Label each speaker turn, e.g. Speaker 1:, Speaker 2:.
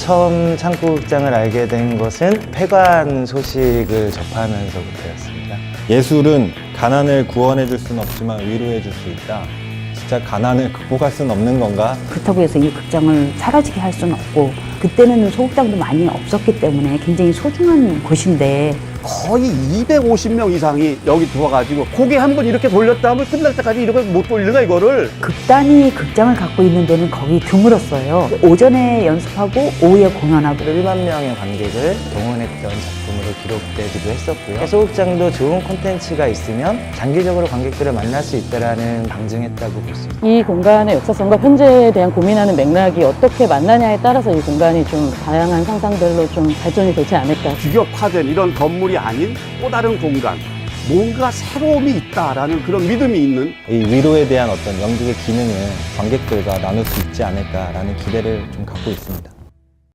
Speaker 1: 처음 창고극장을 알게 된 것은 폐관 소식을 접하면서부터였습니다.
Speaker 2: 예술은 가난을 구원해 줄 수는 없지만 위로해 줄 수 있다. 진짜 가난을 극복할 수는 없는 건가?
Speaker 3: 그렇다고 해서 이 극장을 사라지게 할 수는 없고, 그때는 소극장도 많이 없었기 때문에 굉장히 소중한 곳인데
Speaker 4: 거의 250명 이상이 여기 들어와가지고 고개 한번 이렇게 돌렸다 하면 끝날 때까지 이렇게 못 돌리나 이거를.
Speaker 3: 극단위 극장을 갖고 있는 데는 거의 드물었어요. 오전에 연습하고 오후에 공연하고
Speaker 1: 1만 명의 관객을 동원했던 작품으로 기록되기도 했었고요. 소극장도 좋은 콘텐츠가 있으면 장기적으로 관객들을 만날 수 있다는 방증했다고 볼 수 있습니다.
Speaker 5: 이 공간의 역사성과 현재에 대한 고민하는 맥락이 어떻게 만나냐에 따라서 이 공간이 좀 다양한 상상들로 좀 발전이 되지 않을까.
Speaker 4: 규격화된 이런 건물이 아닌 또 다른 공간, 뭔가 새로움이 있다라는 그런 믿음이 있는.
Speaker 2: 이 위로에 대한 어떤 연극의 기능을 관객들과 나눌 수 있지 않을까라는 기대를 좀 갖고 있습니다.